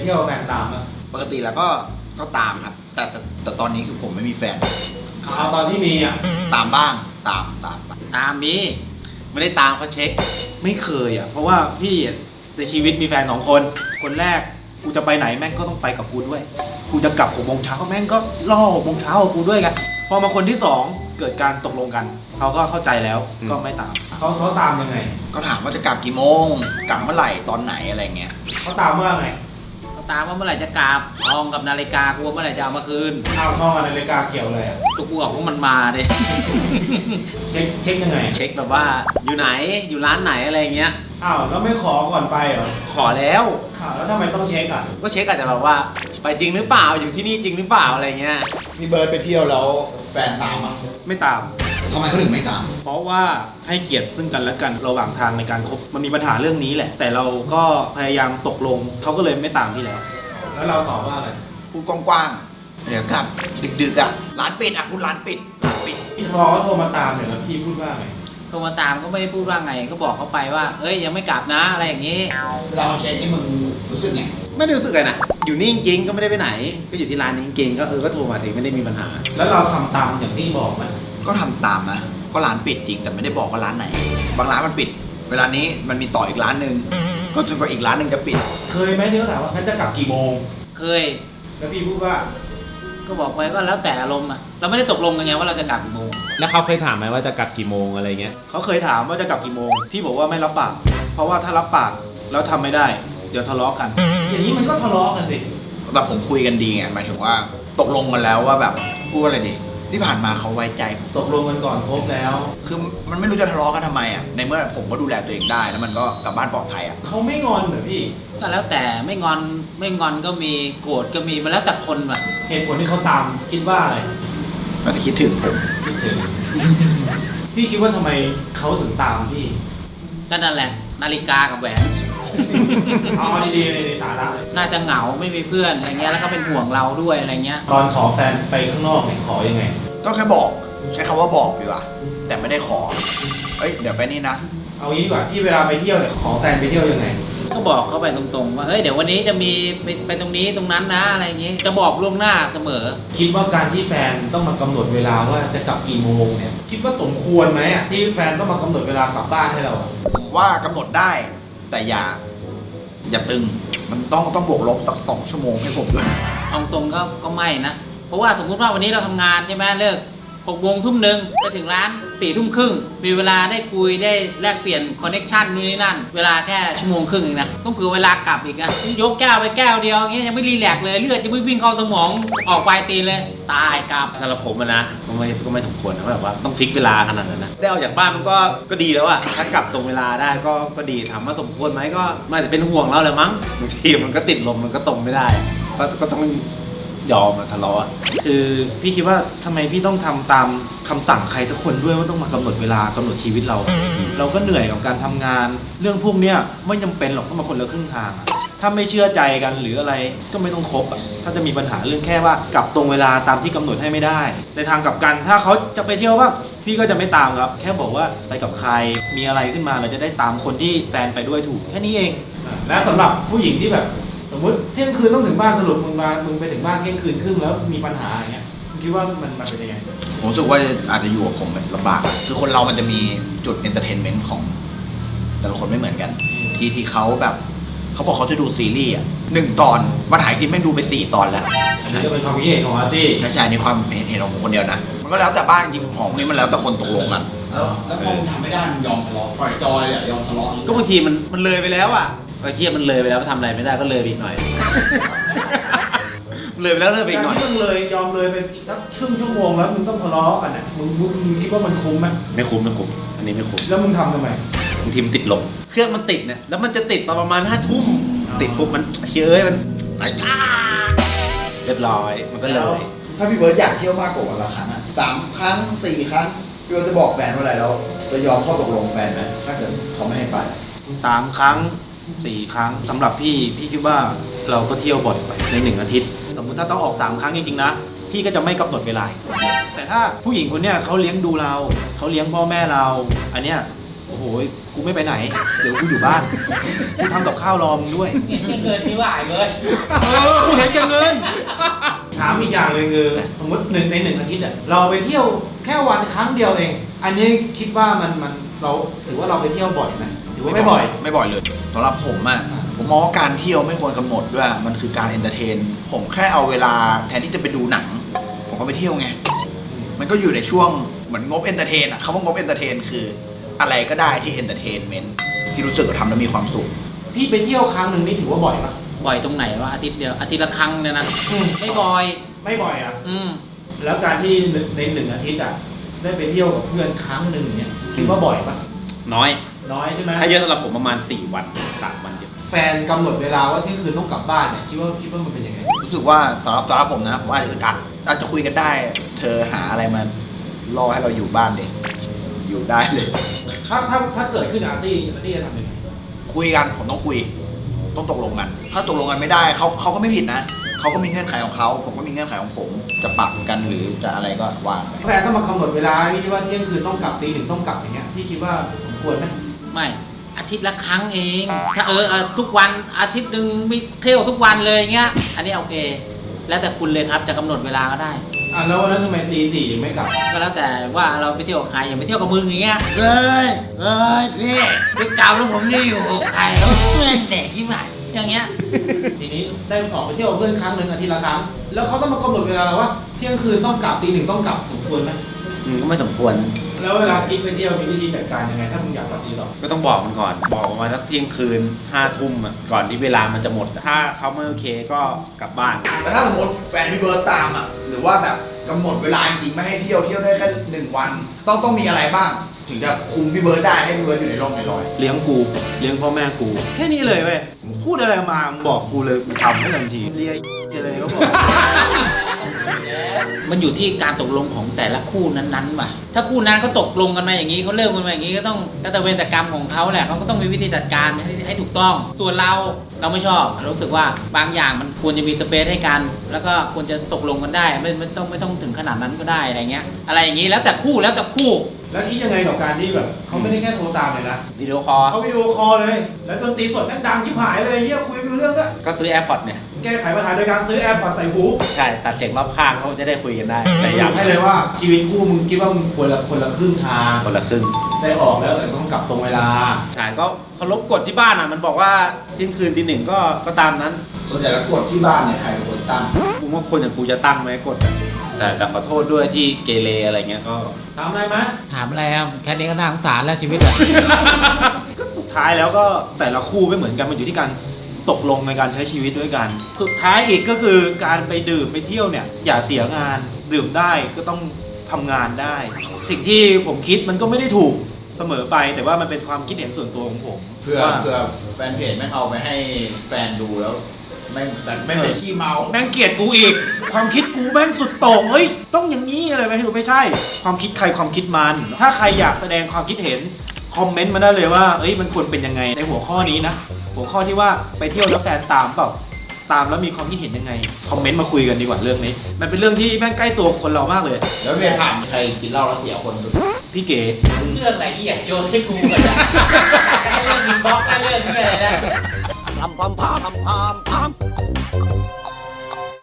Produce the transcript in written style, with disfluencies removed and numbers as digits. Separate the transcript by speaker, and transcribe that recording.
Speaker 1: ที่ยวแฟนตามอ่ะ
Speaker 2: ปกติแล้วก็ตามครับแต่ตอนนี้คือผมไม่มีแฟน
Speaker 1: เอาตอนที่มีอ่ะ
Speaker 2: ตามบ้างตาม
Speaker 3: มีไม่ได้ตามเขาเช็ค
Speaker 1: ไม่เคยอ่ะเพราะว่าพี่ในชีวิตมีแฟน2 คนคนแรกกูจะไปไหนแม่งก็ต้องไปกับกูด้วยกูจะกลับ6 โมงเช้าแม่งก็ล่อ6 โมงเช้ากับกูด้วยกันพอมาคนที่2เกิดการตกลงกันเขาก็เข้าใจแล้วก็ไม่ตามเขาตามยังไง
Speaker 2: ก็ถามว่าจะกลับกี่โมงกลับเมื่อไหร่ตอนไหนอะไรเงี้ย
Speaker 1: เขาตามว่าไง
Speaker 3: เขาตามว่าเมื่อไหร่จะกลับทองกับนาฬิกากูเมื่อไหร่จะเอามาคืน
Speaker 1: เอาทองกับนาฬิกาเกี่ยวอะไรอ่ะ
Speaker 3: ตัวกูบอกว่ามันมาดิ
Speaker 1: เช็คยังไง
Speaker 3: เช็คแบบว่าอยู่ไหนอยู่ร้านไหนอะไรเงี้ย
Speaker 1: อ้าวแล้วไม่ขอก่อนไปเหรอ
Speaker 3: ขอแล้ว
Speaker 1: แล้วทำไมต้องเช็คอ่ะ
Speaker 3: ก็เช็คอาจจะแบบว่าไปจริงหรือเปล่าอยู่ที่นี่จริงหรือเปล่าอะไรเงี้ย
Speaker 2: มีเบิร์ดไปเที่ยวแล้วแฟนตามอ่ะ
Speaker 1: ไม่ตาม
Speaker 2: ทำไมเขาถึงไม่ตาม
Speaker 1: เพราะว่าให้เกียรติซึ่งกันและกันระหว่างทางในการคบมันมีปัญหาเรื่องนี้แหละแต่เราก็พยายามตกลงเขาก็เลยไม่ตามพี่แล้วเราตอบว่าอะไร
Speaker 2: พูดกว้างๆเดี๋ยวกลับดึกๆอ่ะร้านปิดอ่ะคุณร้านปิด
Speaker 1: พี่พอเขาโทรมาตามเนี่ยแล้วพี่พูดว่าไง
Speaker 3: โทรมาตามก็ไม่ได้พูดว่าไงก็บอกเขาไปว่าเอ้ยยังไม่กลับนะอะไรอย่างนี้
Speaker 2: เราเช็คนี่มึงรู้สึกไง
Speaker 3: ไม่ได้รู้สึกเลยนะอยู่นี่จริงๆก็ไม่ได้ไปไหนก็อยู่ที่ร้านนี้จริงๆก็โทรมาถึงไม่ได้มีปัญหา
Speaker 1: แล้วเราทำตามอย่างที่บอกไหม
Speaker 2: ก็ทำตามนะก็ร้านปิดจริงแต่ไม่ได้บอกว่าร้านไหนบางร้านมันปิดเวลานี้มันมีต่ออีกร้านนึงก็จนกว่าอีกร้านนึงจะปิด
Speaker 1: เคยไหมที่เขาถามว่าเขาจะกลับกี่โมง
Speaker 3: เคย
Speaker 1: แล้วพี่พูดว่า
Speaker 3: ก็บอกไปก็แล้วแต่อารมณ์อะเราไม่ได้ตกลงกันไงว่าเราจะกลับกี่โมง
Speaker 4: แล้วเขาเคยถามไหมว่าจะกลับกี่โมงอะไรเงี้ย
Speaker 1: เขาเคยถามว่าจะกลับกี่โมงพี่บอกว่าไม่รับปากเพราะว่าถ้ารับปากแล้วทำไม่ได้เดี๋ยวทะเลาะกันอย่างนี้มันก็ทะเลาะกันสิ
Speaker 2: แบบผมคุยกันดีไงหมายถึงว่าตกลงกันแล้วว่าแบบพูดอะไรดีที่ผ่านมาเขาไว้ใจ
Speaker 1: ตกลงกันก่อนครบแล้ว
Speaker 2: คือมันไม่รู้จะทะเลาะกันทำไมอ่ะในเมื่อผมก็ดูแลตัวเองได้แล้วมันก็กลับบ้านปลอดภัยอ่ะ
Speaker 1: เขาไม่งอนเหรอพี่
Speaker 3: ก็แล้วแต่ไม่งอนก็มีโกรธก็มีมันแล้วแต่คนแบบ
Speaker 1: เหตุผลที่เขาตามคิดว่าอะไร
Speaker 2: อาจจะคิดถึงผม
Speaker 1: คิดถึงพี่คิดว่าทำไมเขาถึงตามพี่
Speaker 3: ก็นั่นแหละนาฬิกากับแหวน
Speaker 1: เอาดีๆในสาระ
Speaker 3: น่าจะเหงาไม่มีเพื่อนอะไรเงี้ยแล้วก็เป็นห่วงเราด้วยอะไรเงี้ย
Speaker 1: ตอนขอแฟนไปข้างนอกเนี่ยขอยังไง
Speaker 2: ก็แค่บอกใช้คำว่าบอกดีกว่าแต่ไม่ได้ขอเดี๋ยวไปนี่นะ
Speaker 1: เอางี้ดีกว่าพี่เวลาไปเที่ยวเนี่ยขอแฟนไปเที่ยวยังไง
Speaker 3: ก็บอกเขาไปตรงๆว่าเฮ้ยเดี๋ยววันนี้จะมีไปตรงนี้ตรงนั้นนะอะไรเงี้ยจะบอกล่วงหน้าเสมอ
Speaker 1: คิดว่าการที่แฟนต้องมากำหนดเวลาว่าจะกลับกี่โมงเนี่ยคิดว่าสมควรไหมอ่ะที่แฟนต้องมากำหนดเวลากลับบ้านให้เรา
Speaker 2: ผมว่ากำหนดได้แต่อย่าตึงมันต้องบวกลบสัก2 ชั่วโมงให้ผมด้วย
Speaker 3: เอาตรงก็ไม่นะเพราะว่าสมมุติว่าวันนี้เราทำงานใช่ไหมเลิก6 โมงทุ่มหนึ่งไปถึงร้าน4 ทุ่มครึ่งมีเวลาได้คุยได้แลกเปลี่ยนคอนเนคชั่นนู่นนี่นั่นเวลาแค่1 ชั่วโมงครึ่งเองนะต้องเผื่อเวลากลับอีกนะยกแก้วไปแก้วเดียวอย่างเงี้ยยังไม่รีแลกเลยเลือดจะไม่วิ่งเข้าสมองออกปลายตีนเลยตายกลับ
Speaker 4: สำหรับผมนะก็ไม่สมควรนะแบบว่าต้องฟิกเวลาขนาดนั้นนะได้ออกจากบ้านมันก็ดีแล้วอะถ้ากลับตรงเวลาได้ก็ดีถามว่าสมควรไหมก็ไม่แต่เป็นห่วงเราเลยมั้งบางทีมันก็ติดลมมันก็ตรงไม่ได้ก็ต้องยอมทะเลาะ
Speaker 1: คือพี่คิดว่าทำไมพี่ต้องทำตามคำสั่งใครสักคนด้วยว่าต้องมากำหนดเวลากำหนดชีวิตเราก็เหนื่อยกับการทำงานเรื่องพวกเนี้ยไม่จำเป็นหรอกต้องมาคนละครึ่งทางถ้าไม่เชื่อใจกันหรืออะไรก็ไม่ต้องคบถ้าจะมีปัญหาเรื่องแค่ว่ากลับตรงเวลาตามที่กำหนดให้ไม่ได้ในทางกลับกันถ้าเขาจะไปเที่ยวบ้างพี่ก็จะไม่ตามครับแค่บอกว่าไปกับใครมีอะไรขึ้นมาเราจะได้ตามคนที่แฟนไปด้วยถูกแค่นี้เองและสำหรับผู้หญิงที่แบบสมมติเที่ยงคืนต้องถึงบ้านสรุปมึงไปถึงบ้านเที่ยงคืนครึ่งแล้วมีปัญหาอย่างเงี้ยคิดว่ามันเป็นยังไง
Speaker 2: ผมรู้สึกว่าอาจจะอยู่กับผมลำบากคือคนเรามันจะมีจุดเอนเตอร์เทนเมนต์ของแต่ละคนไม่เหมือนกันที่เขาแบบเขาบอกเขาจะดูซีรีส์1 ตอนมาถ่ายคลิปแม่งดูไป4 ตอนแล้ว
Speaker 1: อันนี้ก็เป็นความคิดเห็นของอาร์ตี้
Speaker 2: ใช่ในความเห็นของผมคนเดียวนะมันก็แล้วแต่บ้านจริงของนี้มันแล้วแต่คนตกลงกันแล้วพอมึงทำไม่ได้มึงยอมทะเลาะปล่อยจอยยอมทะเลาะ
Speaker 3: ก็บางทีมันเลยไปแล้วอ่ะไอ้เทียมันเลยไปแล้วทำอะไรไม่ได้ก็เลยไปอีกหน่อยเลยไปแล้วเลยไปอีกหน่อย
Speaker 1: ที่มึงเลยยอมเลยไปอีกสักครึ่งชั่วโมงแล้วมึงต้องทะเลาะกันเนี่ยมึงคิดว่ามันคุ้มไหม
Speaker 4: ไม่คุ้มอันนี้ไม่คุ้ม
Speaker 1: แล้วมึงทำทำไม
Speaker 4: บางทีมันติดลมเครื่องมันติดเนี่ยแล้วมันจะติดตอนประมาณ5 ทุ่มติดปุ๊บมันเฮ้ยมันเรียบร้อยมันก็เลย
Speaker 2: ถ้าพี่เบิร์ดอยากเที่ยวมากกว่าวันละครั้ง3 ครั้ง 4 ครั้งพี่เบิร์ดจะบอกแฟนว่าอะไรแล้วจะยอมข้อตกลงแฟนไหมถ้าเกิดเขาไม่ให้ไป
Speaker 1: 3 ครั้ง 4 ครั้งสำหรับพี่คิดว่าเราก็เที่ยวบ่อยไปใน1 อาทิตย์สมมุติถ้าต้องออก3 ครั้งจริงๆนะพี่ก็จะไม่กำหนดเวลาแต่ถ้าผู้หญิงคนเนี้ยเขาเลี้ยงดูเราเขาเลี้ยงพ่อแม่เราอันเนี้ยโอ้โหกูไม่ไปไหน เดี๋ยวกูอยู่บ้านกูทำกับข้าวรอมึงด้วย
Speaker 3: เห็นแก่เงินนี่ว่าไอ้เบิร์ด
Speaker 1: กูเห็นแก่เงินถามอีกอย่างเลยคือสมมติในหนึ่งอาทิตย์อะเราไปเที่ยวแค่วันครั้งเดียวเอง อันนี้คิดว่ามันเราถือว่าเราไปเที่ยวบ่อยไหมถือว่าไม่บ่อย
Speaker 2: ไม่บ่อยเลยสำหรับผมอะผมมองว่าการเที่ยวไม่ควรกำหนดด้วยมันคือการเอนเตอร์เทนผมแค่เอาเวลาแทนที่จะไปดูหนัง ผมก็ไปเที่ยวไง มันก็อยู่ในช่วงเหมือนงบเอนเตอร์เทนอะคำว่างบเอนเตอร์เทนคืออะไรก็ได้ที่เอนเตอร์เทนเมนต์ที่รู้สึกว่าทำแล้วมีความสุข
Speaker 1: พี่ไปเที่ยวครั้งหนึ่งนี่ถือว่าบ่อยปะ
Speaker 3: บ่อยตรงไหนวะอาทิตย์เดียวอาทิตย์ละครั้งเนี่ยนะไม่บ่อย
Speaker 1: ไม่บ่อยอะ
Speaker 3: อืม
Speaker 1: แล้วการที่ในหนึ่งอาทิตย์อะได้ไปเที่ยวกับเพื่อนครั้งหนึ่งเนี่ยคิดว่าบ่อยปะ
Speaker 4: น้อย
Speaker 1: น้อยใช่ไหม
Speaker 4: ถ้าเยอะสำหรับผมประมาณ4 วัน 3 วันเดียว
Speaker 1: แฟนกำหนดเวลาว่าเที่ยงคืนต้องกลับบ้านเนี่ยคิดว่ามันเป็นยังไง
Speaker 2: รู้สึกว่าสำหรับผมนะผมอาจจะอึดอัดอาจจะคุยกันได้ เธอหาอะไรมาล่อให้เราอยู่บ้านเด็กอยู่ได้เลย
Speaker 1: ถ้าเกิดขึ้นอาร์ตี้จะทำยังไง
Speaker 2: คุยกันผมต้องคุยต้องตกลงกัน ถ้าตกลงกันไม่ได้เขาก็ไม่ผิดนะเขาก็มีเงื่อนไขของเขาผมก็มีเงื่อนไขของผมจะปรับกันหรือจะอะไรก็ว่าไป
Speaker 1: แฟนต้องมากำหนดเวลาพี่คิดว่าเที่ยงคืนต้องกลับตี 1ต้องกลับอย่างเงี้ยพี่คิดว่าสมควรไหม
Speaker 3: ไม่อาทิตย์ละครั้งเอง ถ้าทุกวันอาทิตย์หนึ่งมีเที่ยวทุกวันเลยเงี้ยอันนี้โอเค แล้วแต่คุณเลยครับจะกำหนดเวลาก็ได้
Speaker 1: แล้ววันนั้นทำไมตี 4ยังไม่กลับ
Speaker 3: ก็แล้วแต่ว่าเราไปเที่ยวกับใครอย่างไปเที่ยวกับมึงอย่างเงี้ย
Speaker 5: เฮ้ยพี่ไปเก่าแล้วผมนี่อยู่กับใครแล้วเพื่อนเด็กที่ไหน
Speaker 3: อย่างเงี้ย
Speaker 1: ทีนี้ได้ออกไปเที่ยวกับเพื่อนครั้งหนึ่งอาทิตย์ละครั้งแล้วเขาต้องมากำหนดเวลาว่าเที่ยงคืนต้องกลับตี 1ต้องกลับสมควรไหม
Speaker 4: ก็ไม่สมควร
Speaker 1: แล้วเวลากิ๊กไปเที่ยวมีวิธีจัดการยังไงถ้ามึงอยากกลับตีหรอ
Speaker 4: ก็ต้องบอกมันก่อน บอกประมาณสักเที่ยงคืน5 ทุ่มอะก่อนที่เวลามันจะหมด ถ้าเขาไม่โอเคก็กลับบ้าน
Speaker 2: แต่ถ้าสมมติแฟนพี่เบิร์ตตามอ่ะหรือว่าแบบกำหนดเวลาจริงๆไม่ให้เที่ยวได้แค่1 วันต้องมีอะไรบ้าง ถึงจะคุมพี่เบิร์ตได้ให้พี่เบิร์ตอยู่ในร่องในรอย
Speaker 1: เลี้ยงกูเลี้ยงพ่อแม่กูแค่นี้เลยเว้ยพูดอะไรมามึงบอกกูเลยกูทำให้ทันทีเรียอะไรก็บอก
Speaker 3: มันอยู่ที่การตกลงของแต่ละคู่นั้นๆว่ะ ถ้าคู่นั้นเขาตกลงกันมาอย่างนี้เขาเลิกกันมาอย่างนี้ก็ต้องแล้วแต่เวรแต่กรรมของเขาแหละเขาก็ต้องมีวิธีจัดการให้ถูกต้อง ส่วนเราไม่ชอบเรารู้สึกว่าบางอย่างมันควรจะมีสเปซให้กัน แล้วก็ควรจะตกลงกันได้ไม่ต้องถึงขนาดนั้นก็ได้อะไรเงี้ย อะไรอย่างนี้แล้วแต่คู่
Speaker 1: แล้วคิดยังไงกับการที่แบบเขาไม่ได้แค่โทรตามเลยนะ
Speaker 4: วิดีโอคอล
Speaker 1: เขาวิดีโอคอลเลย แล้วดนตรีสดแม่งดังชิบหายเลยเฮียคุยไม่รู้เรื่องด้วย
Speaker 4: ก็ซื้อ AirPods เนี่ย
Speaker 1: แก้ไขปัญหาโดยการซื้อแอร์พอร์ตใส่หู
Speaker 4: ใช่ ตัดเสียงรอบข้างเขาจะได้คุยกันได้ แต่
Speaker 1: อาย
Speaker 4: อยาก ก
Speaker 1: ให้เลยว่าชีวิตคู่มึงคิดว่ามึงคนละครึ่งทาง
Speaker 4: คนละครึ่ง
Speaker 1: ได้ออกแล้วแต่ต้องกลับตรงเวลา
Speaker 4: ใช่ก็เคารพกฎที่บ้านอ่ะ มันบอกว่าเที่ยงคืนตี 1ก็ตามนั้น
Speaker 2: ส่วนใหญ่แล้วกฎที่บ้านเนี่ยใครเป็นคนตั้ง
Speaker 4: กูว่าคนอย่างกูจะตั้งไหมกฎอะแต่ขอโทษด้วยที่เกเรอะไรเงี้ยก็
Speaker 1: ถามอะไรไหม
Speaker 3: ถามอะไรอ่ะแค่นี้ก็น่าสงสารแล้วชีวิตอ่ะ
Speaker 1: ก็สุดท้ายแล้วก็แต่ละคู่ไม่เหมือนกันมันอยู่ที่การตกลงในการใช้ชีวิตด้วยกัน สุดท้ายอีกก็คือการไปดื่มไปเที่ยวเนี่ยอย่าเสียงานดื่มได้ก็ต้องทำงานได้ สิ่งที่ผมคิดมันก็ไม่ได้ถูกเสมอไป แต่ว่ามันเป็นความคิดเห็นส่วนตัวของผม
Speaker 2: เพื่อ
Speaker 1: ว่า
Speaker 2: แฟนเพจไม่เอาไปให้แฟนดูแล้วไม่เป็นขี้เมา
Speaker 1: แม่งเกลียดกูอีก ความคิดกูแม่งสุดโต่งเฮ้ยต้องอย่างนี้อะไรไม่รู้ไม่ใช่ ความคิดใครความคิดมัน ถ้าใครอยากแสดงความคิดเห็นคอมเมนต์มาได้เลยว่าเอ้ยมันควรเป็นยังไงในหัวข้อนี้นะหัวข้อที่ว่าไปเที่ยวแล้วแฟนตามเปล่าตามแล้วมีความคิดเห็นยังไงคอมเมนต์มาคุยกันดีกว่าเรื่องนี้ มันเป็นเรื่องที่แม่งใกล้ตัวคนเรามากเลย
Speaker 2: แล้วเพจถามใครกินเหล้าแล้วเสียคนสุด
Speaker 1: พี่เก๋
Speaker 3: เรื่องอะไรที่อยากโยนให้กูกันอ่ะเรื่องอินบ็อกซ์เรื่องนี้อะไรนะ
Speaker 5: ทำ